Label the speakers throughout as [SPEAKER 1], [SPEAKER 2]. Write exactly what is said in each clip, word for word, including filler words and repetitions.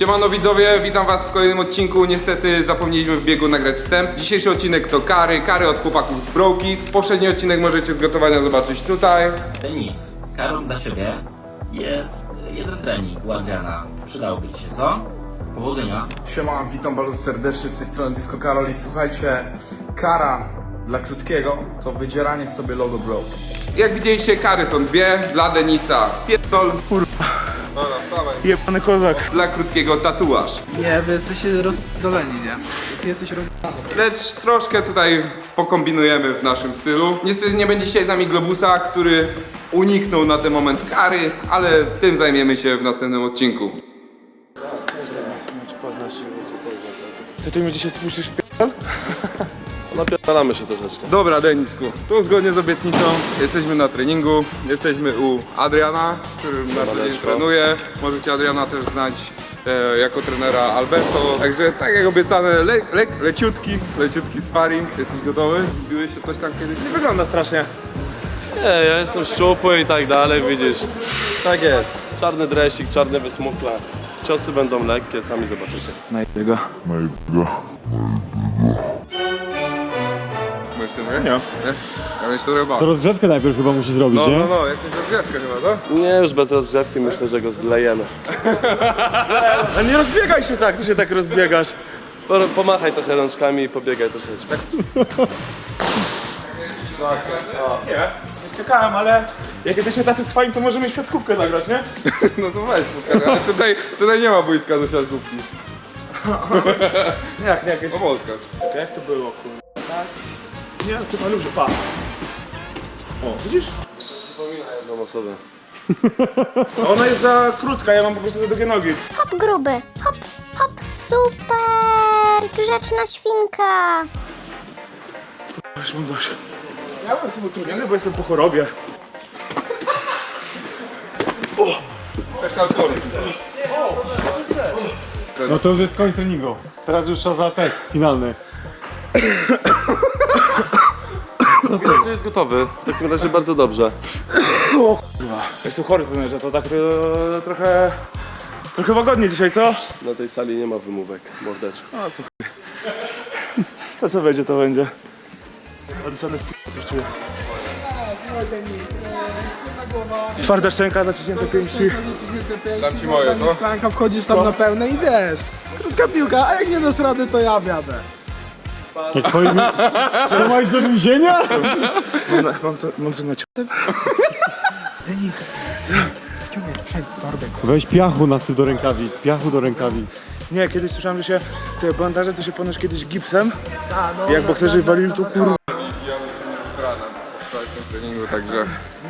[SPEAKER 1] Siemano widzowie, witam was w kolejnym odcinku. Niestety zapomnieliśmy w biegu nagrać wstęp. Dzisiejszy odcinek to kary, kary od chłopaków z Brokis. Poprzedni odcinek możecie z gotowania zobaczyć tutaj.
[SPEAKER 2] Denis, karą dla ciebie jest jeden trening u Adriana. Przydałby ci się, co? Powodzenia.
[SPEAKER 3] Siema, witam bardzo serdecznie z tej strony Disco Karol i słuchajcie, kara dla krótkiego to wydzieranie sobie logo Brokis.
[SPEAKER 1] Jak widzieliście, kary są dwie. Dla Denisa wpierdol. Kurwa. Dobra, wstawaj.
[SPEAKER 3] Jebany kozak.
[SPEAKER 1] Dla krótkiego tatuaż.
[SPEAKER 4] Nie, wy jesteście rozdoleni, nie? Ty jesteś roz...
[SPEAKER 1] Lecz troszkę tutaj pokombinujemy w naszym stylu. Niestety nie będzie dzisiaj z nami Globusa, który uniknął na ten moment kary, ale tym zajmiemy się w następnym odcinku.
[SPEAKER 3] Ty tu mi dzisiaj spuścisz w p***?
[SPEAKER 5] Napierdalamy się troszeczkę.
[SPEAKER 1] Dobra, Denisku, tu zgodnie z obietnicą jesteśmy na treningu. Jesteśmy u Adriana, który na co dzień trenuje. Możecie Adriana też znać e, jako trenera Alberto. Także tak jak obiecane, le, le, leciutki, leciutki sparring. Jesteś gotowy? Biłeś się coś tam kiedyś?
[SPEAKER 3] Nie wygląda strasznie.
[SPEAKER 5] Nie, ja jestem szczupły i tak dalej, widzisz. Tak jest. Czarny dresik, czarne wysmukle. Ciosy będą lekkie, sami zobaczycie.
[SPEAKER 3] Znajdę go.
[SPEAKER 1] Możesz się trochę?
[SPEAKER 3] Nie.
[SPEAKER 1] Nie? Ja bym się trochę bał.
[SPEAKER 6] To rozgrzewkę najpierw chyba musi zrobić,
[SPEAKER 1] No,
[SPEAKER 6] nie?
[SPEAKER 1] no, no, jakąś rozgrzewkę chyba, to?
[SPEAKER 5] Nie, już bez rozgrzewki myślę, że go zlejemy.
[SPEAKER 3] Ale nie rozbiegaj się tak, co się tak rozbiegasz?
[SPEAKER 5] Po, pomachaj trochę rączkami i pobiegaj troszeczkę.
[SPEAKER 3] Nie, nie skakałem, ale jak jesteście tacy cwani, to możemy świadkówkę zagrać, nie?
[SPEAKER 1] No to weź, pokażę. Ale tutaj, tutaj nie ma boiska do siatkówki.
[SPEAKER 3] Jak, nie, jakieś...
[SPEAKER 1] Obozkasz.
[SPEAKER 3] Jak to było, kurwa? Tak? Nie, ty maluże, pa. O, widzisz?
[SPEAKER 5] Przypominaj jedną osobę.
[SPEAKER 3] A ona jest za krótka, ja mam po prostu za długie nogi.
[SPEAKER 7] Hop gruby, hop, hop, super, grzeczna świnka.
[SPEAKER 3] Już mam dość. Ja byłem sobie utrudniony, bo jestem po chorobie.
[SPEAKER 1] Special force.
[SPEAKER 6] No to już jest koniec treningu. Teraz już czas za test finalny.
[SPEAKER 5] Czy jest gotowy? W takim razie bardzo dobrze.
[SPEAKER 3] Jestem chory, trenerze, to tak to, trochę... Trochę łagodnie dzisiaj, co?
[SPEAKER 5] Na tej sali nie ma wymówek, mordeczko.
[SPEAKER 3] To co będzie, to będzie. Odesłany w p***, coś czuję. Twarda szczęka, naciśnięte pięści.
[SPEAKER 1] Dam ci moje, to?
[SPEAKER 4] Szklanka, wchodzisz tam na pełne i wiesz. Krótka piłka, a jak nie dasz rady, to ja wiadę.
[SPEAKER 6] Jak twoim... Co, masz do więzienia?
[SPEAKER 3] Mam, na- mam to, mam to na ciągle.
[SPEAKER 4] Ciągle sprzęt z torbek.
[SPEAKER 6] Weź piachu nasyp do rękawic, piachu do rękawic.
[SPEAKER 3] Nie, kiedyś słyszałem, że się te bandaże to się ponoć kiedyś gipsem.
[SPEAKER 4] A, no,
[SPEAKER 3] Jak bokserzy walili, to kurwa.
[SPEAKER 1] Rana po wczorajszym treningu, także...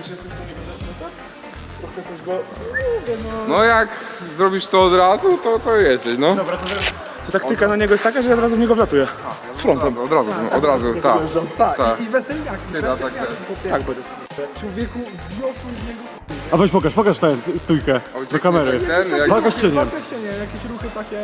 [SPEAKER 3] Trochę coś go...
[SPEAKER 1] No jak zrobisz to od razu, to to jesteś, no.
[SPEAKER 3] Dobra, to, to taktyka na niego jest taka, że ja od razu w niego wlatuję. Z frontem.
[SPEAKER 1] Od razu, no, od razu, tak.
[SPEAKER 4] tak,
[SPEAKER 1] tak.
[SPEAKER 4] i, i weselnie akcji.
[SPEAKER 1] Chyba tak,
[SPEAKER 3] Tak będę.
[SPEAKER 4] Człowieku, wniosły z niego...
[SPEAKER 6] A weź pokaż, pokaż tę stójkę do kamery.
[SPEAKER 1] Ten, jak...
[SPEAKER 6] Pokaż cieniem.
[SPEAKER 4] Faktycznie, nie, jakieś ruchy takie...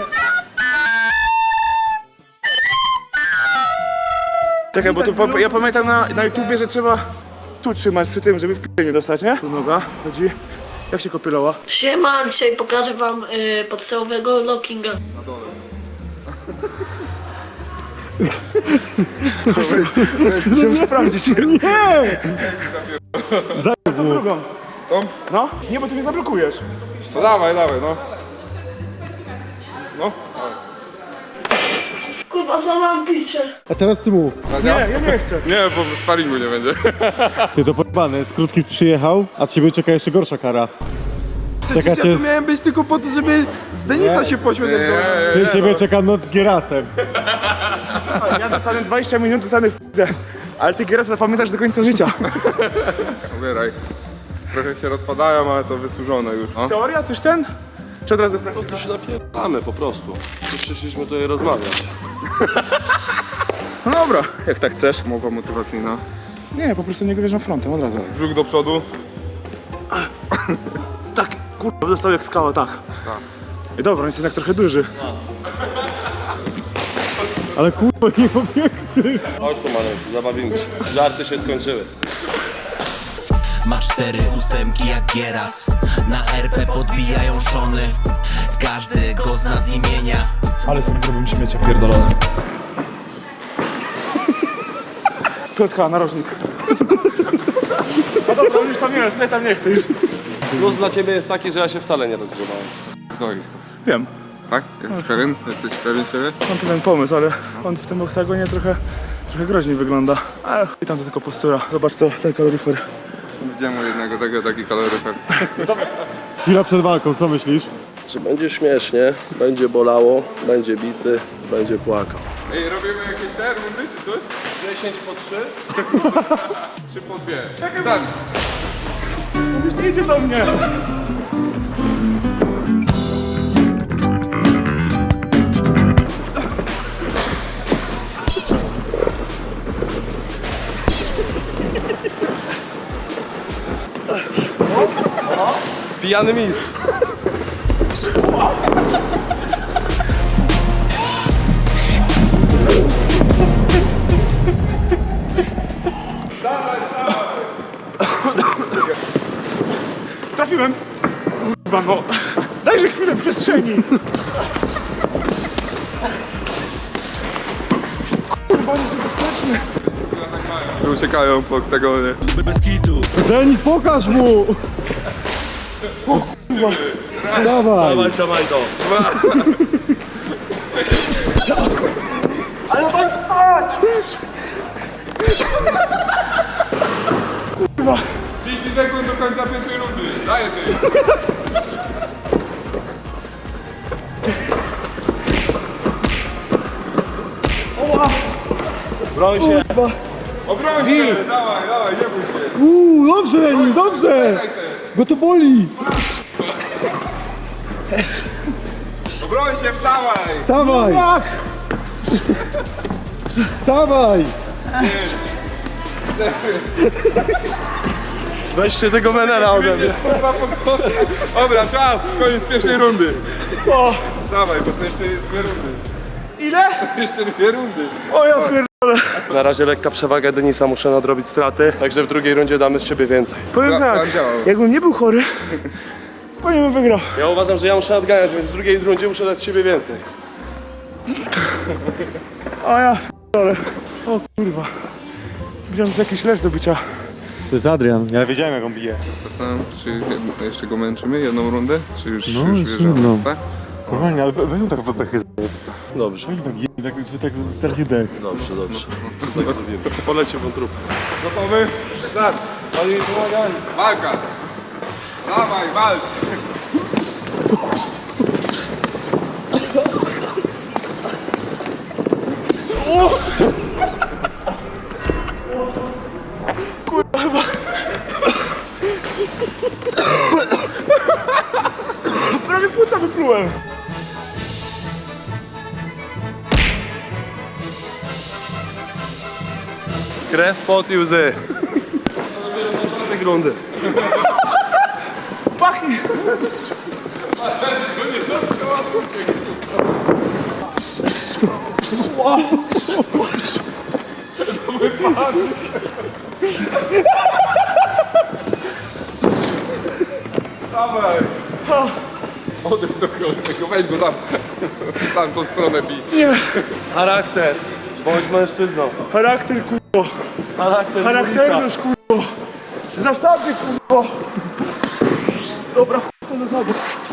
[SPEAKER 3] Czekaj, bo tu, po- ja pamiętam na, na YouTubie, że trzeba tu trzymać przy tym, żeby w p***e nie dostać, nie? Tu noga, chodzi. Jak się kopieloła?
[SPEAKER 8] Siema, dzisiaj pokażę wam y, podstawowego lockinga.
[SPEAKER 3] Chciałem sprawdzić.
[SPEAKER 6] Nie!
[SPEAKER 3] Drugą.
[SPEAKER 1] Tą?
[SPEAKER 3] No? Nie, bo ty mnie zablokujesz.
[SPEAKER 1] No dawaj, dawaj, no. No.
[SPEAKER 8] Kurwa, złamałam picie.
[SPEAKER 6] A teraz ty mu.
[SPEAKER 3] Nie, ja nie chcę.
[SPEAKER 1] Nie, bo sparingu nie będzie.
[SPEAKER 6] Ty to pojebane, z krótki przyjechał, a ciebie czeka jeszcze gorsza kara.
[SPEAKER 4] Przecież
[SPEAKER 6] Czeka
[SPEAKER 4] ja
[SPEAKER 6] cię,
[SPEAKER 4] tu miałem być tylko po to, żeby z Denisa się pośmiać. jak to-
[SPEAKER 6] ty ciebie czeka noc z Gierasem.
[SPEAKER 3] Ja dostanę dwadzieścia minut, dostanę w p***e. Ale ty Gieras zapamiętasz do końca życia.
[SPEAKER 1] Ubieraj. Trochę się rozpadają, ale to wysłużone już. No.
[SPEAKER 3] Teoria, coś ten? Czy od razu
[SPEAKER 5] Po prostu się napierdalamy po prostu. Tu przyszliśmy tutaj rozmawiać.
[SPEAKER 3] No dobra, jak tak chcesz.
[SPEAKER 1] Mowa motywacyjna.
[SPEAKER 3] Nie, po prostu nie go wierzę frontem, od razu.
[SPEAKER 1] Brzuch do przodu.
[SPEAKER 3] Tak, kurwa, dostał jak skała, tak. I dobra, on jest jednak trochę duży.
[SPEAKER 6] Ale kurwa, nie obiekty.
[SPEAKER 5] Chodź tu maleńki, zabawimy się. Żarty się skończyły.
[SPEAKER 9] Ma cztery ósemki jak Gieras. Na R P podbijają szony. każdego z nas imienia.
[SPEAKER 4] Ale z tym grubym śmiecia pierdolone. Piotrka, narożnik. No dobra, on już tam jest, ja tam nie chcę już.
[SPEAKER 5] Plus dla ciebie jest taki, że ja się wcale nie rozgrzewałem.
[SPEAKER 1] Doj.
[SPEAKER 4] Wiem,
[SPEAKER 1] Tak? Jesteś pewien? Jesteś pewien siebie?
[SPEAKER 4] mam pewien pomysł, ale on w tym oktagonie trochę, trochę groźniej wygląda. Ale i tam to tylko postura. Zobacz to, ten kaloryfer.
[SPEAKER 1] Widziałem u jednego tego taki kaloryfer.
[SPEAKER 6] Chwila przed walką, co myślisz?
[SPEAKER 5] Że będzie śmiesznie, będzie bolało, będzie bity, będzie płakał.
[SPEAKER 1] Ej, robimy jakieś te rundy czy coś?
[SPEAKER 5] dziesięć po trzy?
[SPEAKER 1] Czy po dwie? Tak.
[SPEAKER 4] Już idzie do mnie.
[SPEAKER 5] Pijany mistrz.
[SPEAKER 4] Trafiłem. Kurwa no. Dajże chwilę przestrzeni. Kurwa, on jest niebezpieczny.
[SPEAKER 1] Że uciekają po oktagonie.
[SPEAKER 9] Bez kitu.
[SPEAKER 6] Denis, pokaż mu! Dawaj!
[SPEAKER 5] Dawaj, trzymaj to.
[SPEAKER 4] Ale daj wstać!
[SPEAKER 1] trzydzieści sekund do końca pierwszej rundy. Dajesz jej.
[SPEAKER 5] Broń się.
[SPEAKER 1] Obroń się! Dawaj, dawaj, nie bój się.
[SPEAKER 6] Uuu, dobrze Denis, dobrze!
[SPEAKER 1] Daj też.
[SPEAKER 6] Bo to boli!
[SPEAKER 1] Obroń się, wstawaj!
[SPEAKER 6] Wstawaj! Wstawaj!
[SPEAKER 5] Weźcie tego menela ode mnie.
[SPEAKER 1] Kurwa, po kątach. Dobra, czas, koniec pierwszej rundy.
[SPEAKER 4] O,
[SPEAKER 1] Dawaj, bo to jeszcze dwie rundy.
[SPEAKER 4] ile?
[SPEAKER 1] Jeszcze dwie rundy.
[SPEAKER 4] O ja pierdolę.
[SPEAKER 5] Na razie lekka przewaga Denisa, muszę nadrobić straty, także w drugiej rundzie damy z siebie więcej.
[SPEAKER 4] Powiem
[SPEAKER 1] Plan-
[SPEAKER 4] tak,
[SPEAKER 1] plan działał.
[SPEAKER 4] jakbym nie był chory, pewnie bym wygrał.
[SPEAKER 5] Ja uważam, że ja muszę nadganiać, więc w drugiej rundzie muszę dać z siebie więcej.
[SPEAKER 4] A ja pierdolę. O kurwa. Widziałem, że to jakiś leż do bicia.
[SPEAKER 6] To jest Adrian, ja wiedziałem jak on bije.
[SPEAKER 1] Zastanawiam się, czy jed- jeszcze go męczymy jedną rundę, czy już,
[SPEAKER 6] No,
[SPEAKER 1] już
[SPEAKER 6] już
[SPEAKER 1] wjeżdżamy,
[SPEAKER 6] jedną.
[SPEAKER 1] tak?
[SPEAKER 6] Normalnie, ale weź mu tak w bechy.
[SPEAKER 5] Dobrze,
[SPEAKER 6] Weź tak je, tak, że tak straci dech.
[SPEAKER 5] dobrze, dobrze. Tak zrobimy. Poleci wątróbkę.
[SPEAKER 1] Gotowy? Start!
[SPEAKER 5] Oni mi pomagali.
[SPEAKER 1] Walka! Dawaj, walcz!
[SPEAKER 4] Prawie płuca wyplułem.
[SPEAKER 5] Krew, pot i łzy. To dopiero początek rundy.
[SPEAKER 4] Pachnie.
[SPEAKER 1] Dawaj! Odejdź do tego, weź go tam. Tam tą stronę bij.
[SPEAKER 4] Nie.
[SPEAKER 5] Charakter. Bądź mężczyzną.
[SPEAKER 4] Charakter kurwo.
[SPEAKER 5] Charakter
[SPEAKER 4] Charakterność kurwo. Zasady kurwo. Dobra, w to zasady.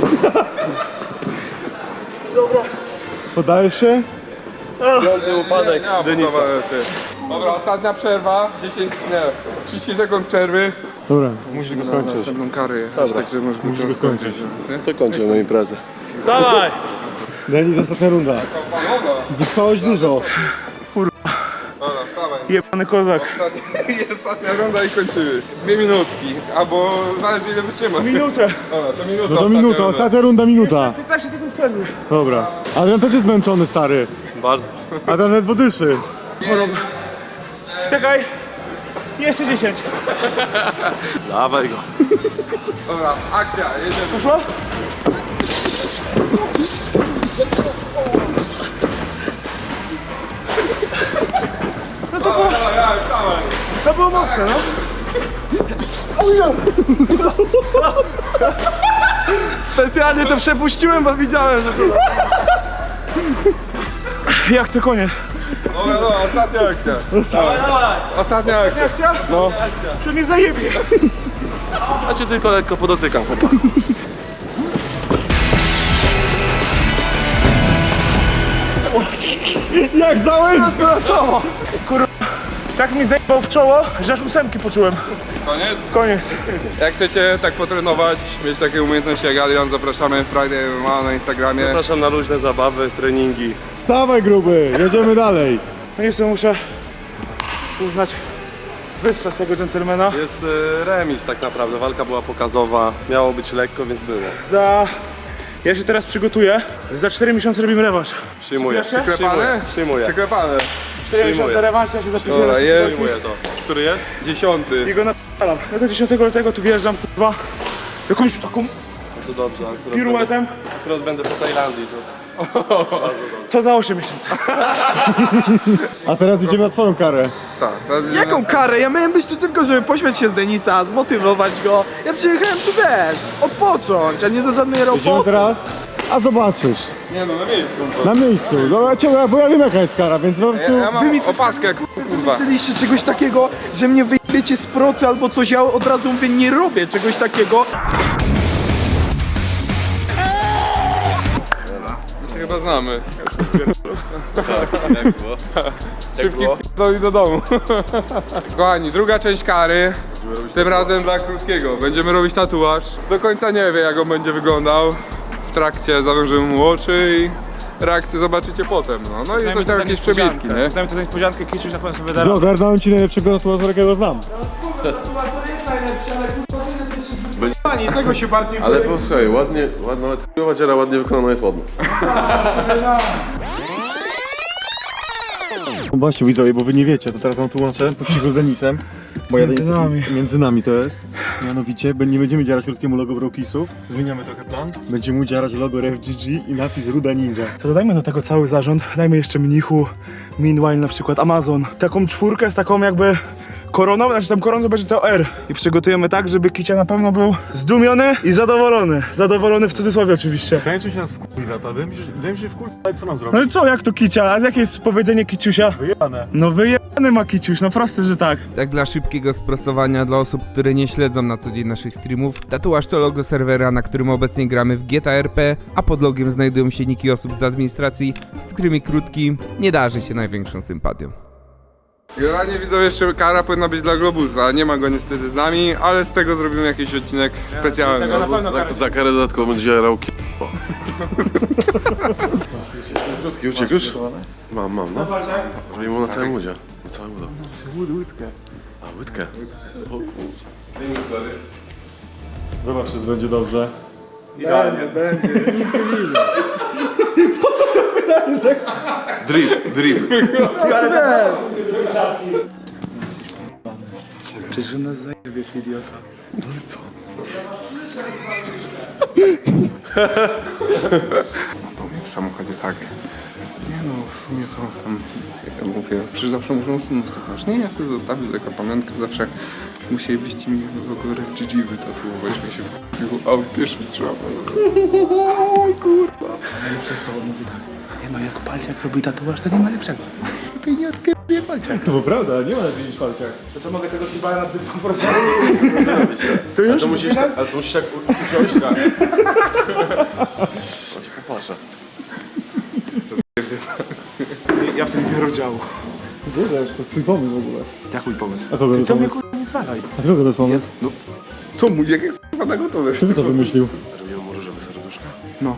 [SPEAKER 4] Dobra.
[SPEAKER 6] Podajesz się?
[SPEAKER 5] Piąty upadek
[SPEAKER 1] Nie, nie,
[SPEAKER 5] Denisa.
[SPEAKER 1] podoba się. Dobra, ostatnia przerwa. dziesięć, nie, trzydzieści sekund przerwy.
[SPEAKER 6] Dobra, musisz go skończyć.
[SPEAKER 1] Następną karę jechać, także możesz go
[SPEAKER 6] go skończyć.
[SPEAKER 1] nie?
[SPEAKER 5] To kończymy imprezę. Dawaj!
[SPEAKER 6] Denis, ostatnia runda.
[SPEAKER 1] Panowa!
[SPEAKER 6] Wytrwałeś dużo.
[SPEAKER 1] Dobra, wstawaj.
[SPEAKER 4] Jebany kozak.
[SPEAKER 1] Ostatnia, ostatnia runda i kończymy. Dwie minutki, albo zależy ile wytrzyma.
[SPEAKER 4] Minutę.
[SPEAKER 1] Dobra, to minuta.
[SPEAKER 6] No to
[SPEAKER 1] ostatnia
[SPEAKER 6] minuta,
[SPEAKER 1] runda.
[SPEAKER 6] ostatnia runda, minuta.
[SPEAKER 4] piętnaście sekund przerwy.
[SPEAKER 6] Dobra. Adrian też jest zmęczony, stary.
[SPEAKER 5] Bardzo.
[SPEAKER 6] Adrian ledwo dyszy.
[SPEAKER 4] Czekaj. Jeszcze dziesięć.
[SPEAKER 5] Dawaj go.
[SPEAKER 1] Dobra, akcja, jedziemy.
[SPEAKER 4] Poszło? No to było,
[SPEAKER 1] Dawaj, dawaj, wstawaj.
[SPEAKER 4] to było mocne, no. Specjalnie to przepuściłem, bo widziałem, że to... Ja chcę koniec.
[SPEAKER 1] Dobra, dobra, ostatnia akcja.
[SPEAKER 4] Dawaj, dawaj.
[SPEAKER 1] Ostatnia akcja.
[SPEAKER 4] Akcja? No. Że mnie zajebie.
[SPEAKER 5] Ja cię tylko lekko podotykam, chłopak.
[SPEAKER 6] Jak załęcz!
[SPEAKER 4] Prosto na czoło. Kurwa. Tak mi zajebał w czoło, że aż ósemki poczułem.
[SPEAKER 1] Koniec?
[SPEAKER 4] Koniec.
[SPEAKER 1] Jak chcecie tak potrenować, mieć takie umiejętności jak Adrian, zapraszamy Friday M M A na Instagramie.
[SPEAKER 5] Zapraszam na luźne zabawy, treningi.
[SPEAKER 6] Wstawaj gruby, jedziemy dalej.
[SPEAKER 4] No niestety muszę uznać wyższa z tego dżentelmena.
[SPEAKER 5] Jest y, remis tak naprawdę, walka była pokazowa, miało być lekko, więc było.
[SPEAKER 4] Za... Ja się teraz przygotuję. Za cztery miesiące robimy rewanż.
[SPEAKER 5] Przyjmuję,
[SPEAKER 4] Przyklepane?
[SPEAKER 5] przyjmuję, przyjmuję.
[SPEAKER 1] Przyklepane.
[SPEAKER 4] cztery miesiące rewanż, ja się zapisuję
[SPEAKER 1] Dobra,
[SPEAKER 4] na
[SPEAKER 1] jest.
[SPEAKER 5] Przyjmuję to. Który jest?
[SPEAKER 1] Dziesiąty.
[SPEAKER 4] I go napalam. Ja do dziesiątego lutego tu wjeżdżam, kurwa. Z jakąś taką
[SPEAKER 5] No to dobrze, akurat będę,
[SPEAKER 4] piruetem.
[SPEAKER 5] akurat będę po Tajlandii. To...
[SPEAKER 4] To za osiem miesięcy.
[SPEAKER 6] A teraz idziemy na twoją karę.
[SPEAKER 1] Tak. teraz idziemy
[SPEAKER 10] Jaką
[SPEAKER 1] na-
[SPEAKER 10] karę? Ja miałem być tu tylko, żeby pośmiać się z Denisa, zmotywować go. Ja przyjechałem tu, wiesz, odpocząć, a nie do żadnej
[SPEAKER 6] Idziemy
[SPEAKER 10] roboty.
[SPEAKER 6] teraz, a zobaczysz.
[SPEAKER 1] Nie no, na miejscu.
[SPEAKER 6] Na miejscu. No, ja cię, bo ja wiem jaka jest kara, więc po
[SPEAKER 1] Ja,
[SPEAKER 6] prostu...
[SPEAKER 1] ja mam opaskę, kurwa.
[SPEAKER 10] Myśleliście czegoś takiego, że mnie wyjebiecie z procy albo coś, ja od razu mówię, nie robię czegoś takiego.
[SPEAKER 1] Się chyba znamy.
[SPEAKER 5] Jak było?
[SPEAKER 1] Szybki wpierdol i do domu. Kochani, druga część kary. Tym razem dla krótkiego. Będziemy robić tatuaż. Do końca nie wie, jak on będzie wyglądał. W trakcie zawężymy mu oczy i reakcję zobaczycie potem. No, no i coś tam jakieś przebitki, nie?
[SPEAKER 4] Znajmy to za niespodziankę, Kiciuś na pewno sobie da.
[SPEAKER 6] Ogarnąłem ci najlepszego tatuatora, jakiego znam.
[SPEAKER 10] Pani, tego się bardziej
[SPEAKER 11] Ale posłuchaj, ładnie, ładna, nawet chujowa dziara ładnie wykonana jest ładna.
[SPEAKER 6] No właśnie widzowie, bo wy nie wiecie, to teraz wam tłumaczę po cichu z Denisem. Bo ja
[SPEAKER 4] Między
[SPEAKER 6] Denis-
[SPEAKER 4] nami.
[SPEAKER 6] Między nami to jest. Mianowicie be- nie będziemy dzierać krótkiemu logo Brokisów. Zmieniamy trochę plan. Będziemy mu dzierać logo R F G G i napis Ruda Ninja.
[SPEAKER 4] To dodajmy do tego cały zarząd, dajmy jeszcze Mnichu, Meanwhile na przykład, Amazon. Taką czwórkę z taką jakby koroną, znaczy tam koroną to będzie to R. I przygotujemy tak, żeby Kicia na pewno był zdumiony i zadowolony. Zadowolony w cudzysłowie oczywiście.
[SPEAKER 6] Tańczył się nas wkurwi za to, wydaje mi się, wydaje mi się wkurwi, ale co nam
[SPEAKER 4] No
[SPEAKER 6] zrobić?
[SPEAKER 4] i co, jak to Kicia? A jakie jest powiedzenie Kiciusia?
[SPEAKER 6] Wyjebane.
[SPEAKER 4] No wyjebany ma Kiciuś, no proste, że tak.
[SPEAKER 12] Tak dla szybkiego sprostowania dla osób, które nie śledzą na co dzień naszych streamów, tatuaż to logo serwera, na którym obecnie gramy w G T A R P, a pod logiem znajdują się niki osób z administracji, z którymi Krótki nie darzy się największą sympatią.
[SPEAKER 1] Generalnie widzą jeszcze kara powinna być dla Globusa. Nie ma go niestety z nami, ale z tego zrobimy jakiś odcinek specjalny.
[SPEAKER 11] Za, za karę dodatkowo będzie jarał ki... O. Krótki uciekł już? Mam, mam, no. Żeby mu na całym udzie. Na całym udzie.
[SPEAKER 6] Łódkę.
[SPEAKER 11] A, łydkę. O kurczę.
[SPEAKER 6] Zobacz, czy będzie dobrze.
[SPEAKER 11] Drip, drip.
[SPEAKER 4] Przecież nas zajebie, idiota.
[SPEAKER 1] To mnie w samochodzie tak. Nie no, w sumie to tam, jak ja mówię, przecież zawsze muszą usunąć tatuaż. Nie, ja sobie zostawię tylko pamiątkę, zawsze musielibyście mi logo R F G G wytatuować, mi się wkupił, a pierwszy strzał. Oj kurwa.
[SPEAKER 4] Ale przestał, on mówi tak. Nie no, jak Palciak robi tatuaż, to nie ma lepszego. Lepiej nie odkryje Palciak.
[SPEAKER 6] To prawda, nie ma lepiej niż palciach.
[SPEAKER 4] To co, mogę tego kibala na dywan po prostu?
[SPEAKER 11] To już? Ale to musisz tak, ale to musisz tak usiąść, tak. Chodź, popatrzę.
[SPEAKER 4] Ja w tym nie biorę udziału.
[SPEAKER 6] Wiesz, to jest twój pomysł w ogóle.
[SPEAKER 4] Jak mój pomysł?
[SPEAKER 6] A kogo to
[SPEAKER 4] Ty
[SPEAKER 6] jest
[SPEAKER 4] to mnie
[SPEAKER 6] pomysł?
[SPEAKER 4] kurwa nie zwalaj.
[SPEAKER 6] A kogo to jest pomysł?
[SPEAKER 1] Co mu, jakie kurwa na gotowe?
[SPEAKER 6] Kto by to wymyślił?
[SPEAKER 11] Robimy mu różowe serduszka.
[SPEAKER 1] No.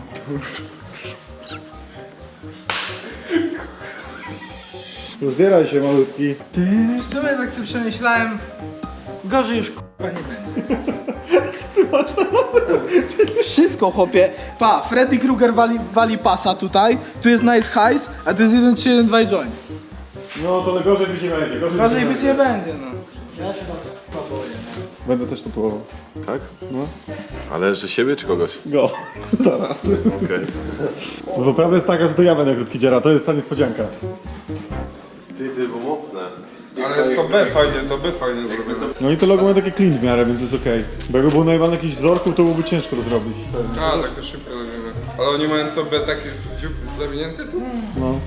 [SPEAKER 6] Rozbieraj się, malutki.
[SPEAKER 10] W sumie tak sobie przemyślałem, gorzej już k***a nie będzie. Wszystko, chłopie. Pa, Freddy Krueger wali, wali pasa tutaj, tu jest Nice Highs, a tu jest jeden trzy jeden dwa i joint.
[SPEAKER 6] No to gorzej mi się będzie. Gorzej,
[SPEAKER 10] Gorzej być nie będzie, no.
[SPEAKER 6] Będę też tatuował.
[SPEAKER 11] Tak? No. Ale że siebie czy kogoś?
[SPEAKER 6] Go. Zaraz.
[SPEAKER 11] Okej.
[SPEAKER 6] No bo prawda jest taka, że to ja będę krótki dziera, to jest ta niespodzianka.
[SPEAKER 11] Ty, ty, bo mocne.
[SPEAKER 1] Ale to B fajnie, to B fajnie zrobione.
[SPEAKER 6] No i to logo ma takie clean w miarę, więc jest okej. Bo jakby było najwan jakichś wzorków, to byłoby ciężko to zrobić.
[SPEAKER 1] A, tak to szybko zrobimy. Ale oni mają to B takie w dziób zawinięte tu?
[SPEAKER 6] No.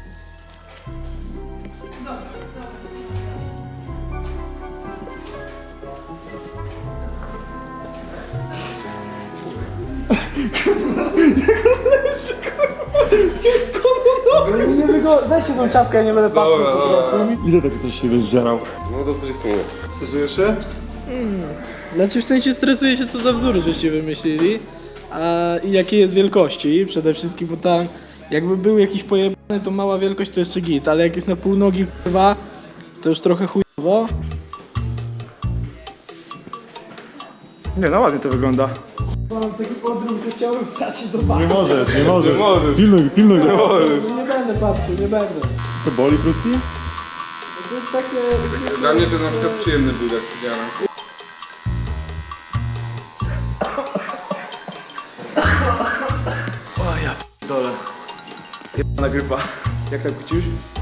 [SPEAKER 10] Nie wygo... Weźcie tą czapkę, ja nie będę patrzył
[SPEAKER 1] Dobra,
[SPEAKER 10] po
[SPEAKER 1] dobra.
[SPEAKER 10] prostu.
[SPEAKER 6] Ile takie coś się zdzierał?
[SPEAKER 11] No do dwudziestu minut.
[SPEAKER 6] Stresujesz się?
[SPEAKER 10] Znaczy w sensie stresuję się, co za wzór żeście wymyślili, a i jakiej jest wielkości przede wszystkim, bo tam jakby był jakiś pojebany, to mała wielkość to jeszcze git, ale jak jest na pół nogi kurwa, to już trochę chujowo.
[SPEAKER 4] Nie no, ładnie to wygląda.
[SPEAKER 10] Mam taki podróż, że chciałbym wstać i
[SPEAKER 6] Nie
[SPEAKER 10] zobaczyć.
[SPEAKER 6] możesz, nie możesz.
[SPEAKER 1] Nie możesz.
[SPEAKER 6] Pilnuj, pilnuj. Nie możesz.
[SPEAKER 10] Nie będę patrzył, nie będę.
[SPEAKER 6] To boli krótki?
[SPEAKER 10] To jest takie...
[SPEAKER 1] Dla mnie to na przykład przyjemny był jak widziałem.
[SPEAKER 4] Dole. Jebana grypa. Jak tam kucisz?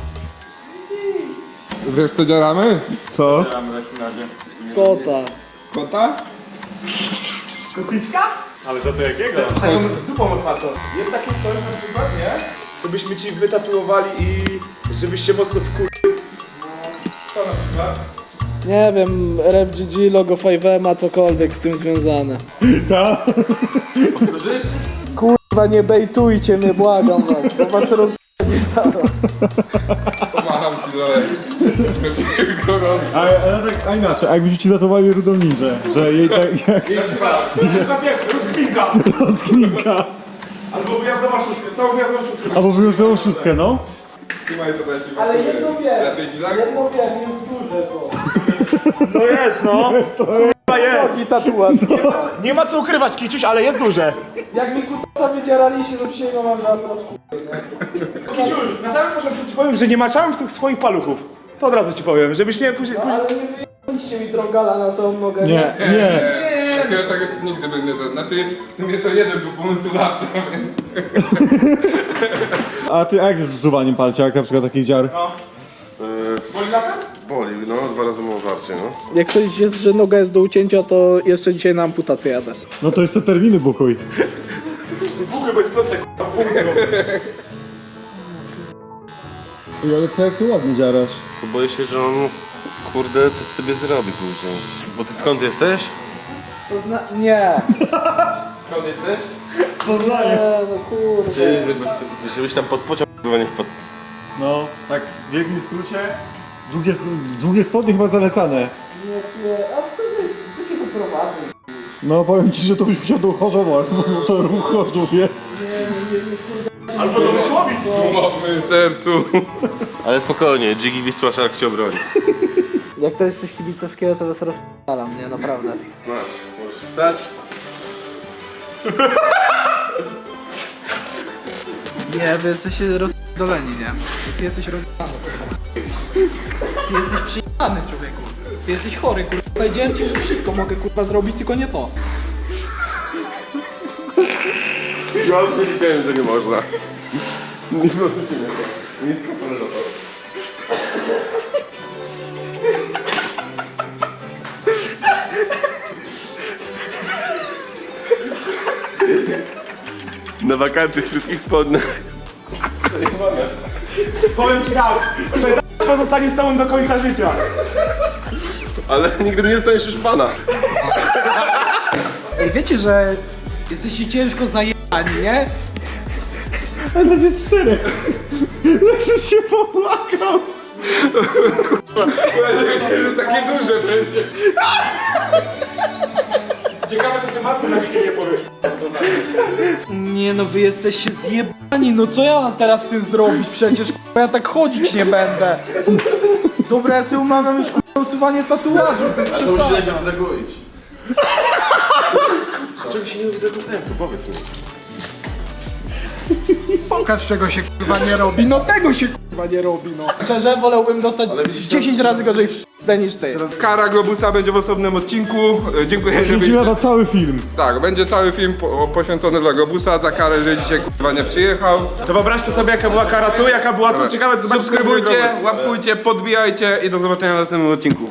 [SPEAKER 1] Wiesz co działamy?
[SPEAKER 6] Co?
[SPEAKER 10] Kota.
[SPEAKER 1] Kota?
[SPEAKER 4] Kotliczka?
[SPEAKER 6] Ale za to jakiego?
[SPEAKER 4] Tak, on z dupą otwartą. Jest takie coś na przykład, nie? Co byśmy ci wytatuowali i żebyś się mocno wkur... Co na przykład?
[SPEAKER 10] Nie wiem, R F G G, logo pięć M, a cokolwiek z tym związane.
[SPEAKER 6] Co?
[SPEAKER 10] Kurwa, nie bejtujcie mnie, błagam was, bo was rozjebie zaraz.
[SPEAKER 1] Pomacham ci dole. Gorąco.
[SPEAKER 6] A, a, tak, a inaczej, a jakbyście ci zatowali rudą ninja, że jej tak jak
[SPEAKER 4] Na przykład, wiesz, rozkminka.
[SPEAKER 6] rozkminka.
[SPEAKER 4] Albo gwiazdowa szóstka, całą gwiazdową szóstkę.
[SPEAKER 6] Albo wyjątkową szóstkę, no?
[SPEAKER 1] Trzymaj to też.
[SPEAKER 10] Ale jedno wiem,
[SPEAKER 1] Lepiej ci tak?
[SPEAKER 10] jedno wiem, jest duże to.
[SPEAKER 4] No jest, no. Kurwa jest.
[SPEAKER 10] Taki tatuaż.
[SPEAKER 4] Nie ma, nie ma co ukrywać, Kiciuś, ale jest duże.
[SPEAKER 10] Jak mi kutasa wydzieraliście, to dzisiaj go mam raz rozku...
[SPEAKER 4] Kiciuś, na samym początku ci powiem, że nie maczałem w tych swoich paluchów. To od razu ci powiem, żebyś mnie później... później...
[SPEAKER 10] Ale nie wyjęliście mi drogala na całą nogę.
[SPEAKER 6] Nie, nie.
[SPEAKER 1] Takiego czegoś nigdy bym nie to. Znaczy, w sumie to jeden był pomysłodawca, więc...
[SPEAKER 6] A ty a jak jest z usuwaniem palcia, jak na przykład takich dziar?
[SPEAKER 4] Boli lasem?
[SPEAKER 11] Boli, no dwa razy mało warcie, no.
[SPEAKER 10] Jak coś jest, że noga jest do ucięcia, to jeszcze dzisiaj na amputację jadę.
[SPEAKER 6] No to jeszcze terminy bukuj.
[SPEAKER 4] Buchy, bo jest plątek, k***a.
[SPEAKER 6] Ej, ale co jak ty ładnie dziarasz?
[SPEAKER 5] Bo boję się, że on, kurde, coś sobie zrobi później. Bo ty skąd jesteś?
[SPEAKER 10] To zna... Nie.
[SPEAKER 1] Skąd jesteś?
[SPEAKER 6] Z Poznania.
[SPEAKER 10] Nie, no kurde.
[SPEAKER 5] Ty, żeby, żebyś tam pod pociąg chyba nie wpadł.
[SPEAKER 6] No, tak w wielkim skrócie. Długie, długie spodnie chyba zalecane.
[SPEAKER 10] Nie, nie. A co jest? Co cię wyprowadzę?
[SPEAKER 6] No powiem ci, że to byś musiał dochorzować, bo to ruch choduje.
[SPEAKER 4] Albo do Mysłowic.
[SPEAKER 1] Umowmy sercu.
[SPEAKER 5] Ale spokojnie, Jiggy Wisła Szark cię obroni.
[SPEAKER 10] Jak to jest coś kibicowskiego, to was rozpalam, nie? Naprawdę.
[SPEAKER 5] Masz, możesz wstać.
[SPEAKER 10] Nie, wy jesteście rozdoleni, nie? Ty jesteś rozdolany. Ty jesteś przyjemny, człowieku. Ty jesteś chory, kurwa. Powiedziałem ci, że wszystko mogę, kurwa, zrobić, tylko nie to.
[SPEAKER 11] Ja powiedziałem, że nie można. Nie można nie. Nie skapane do to.
[SPEAKER 5] Na wakacje w krótkich spodniach.
[SPEAKER 4] Powiem ci tak, że to zostanie z tobą do końca życia.
[SPEAKER 11] Ale nigdy nie zostaniesz już pana.
[SPEAKER 10] Ej, wiecie, że jesteście ciężko zajebani, nie?
[SPEAKER 6] A nas jest cztery. Lexus się popłakał.
[SPEAKER 1] Powiedziałem się, że takie duże będzie.
[SPEAKER 4] Ciekawe, co ty matce na Wigilię powiesz.
[SPEAKER 10] Nie no, wy jesteście zjebani, no co ja mam teraz z tym zrobić? Przecież kurwa, ja tak chodzić nie będę. Dobra, ja sobie umawiam już kurwa usuwanie tatuażu, to jest przesada.
[SPEAKER 11] najpierw zagoić. Dlaczego się nie robi tego tentu? Powiedz mi.
[SPEAKER 10] Pokaż czego się kurwa nie robi, no tego się kurwa nie robi, no. Szczerze, wolałbym dostać dziesięć razy gorzej w niż ty.
[SPEAKER 1] Kara Globusa będzie w osobnym odcinku. E, Dziękuję, że
[SPEAKER 6] Kręcimy
[SPEAKER 1] byliście.
[SPEAKER 6] na cały film.
[SPEAKER 1] Tak, będzie cały film po, poświęcony dla Globusa za karę, że dzisiaj kurwa nie przyjechał.
[SPEAKER 4] To wyobraźcie sobie, jaka była kara tu, jaka była tu. Ciekawe, co zobaczycie.
[SPEAKER 1] Subskrybujcie, łapkujcie, podbijajcie i do zobaczenia w następnym odcinku.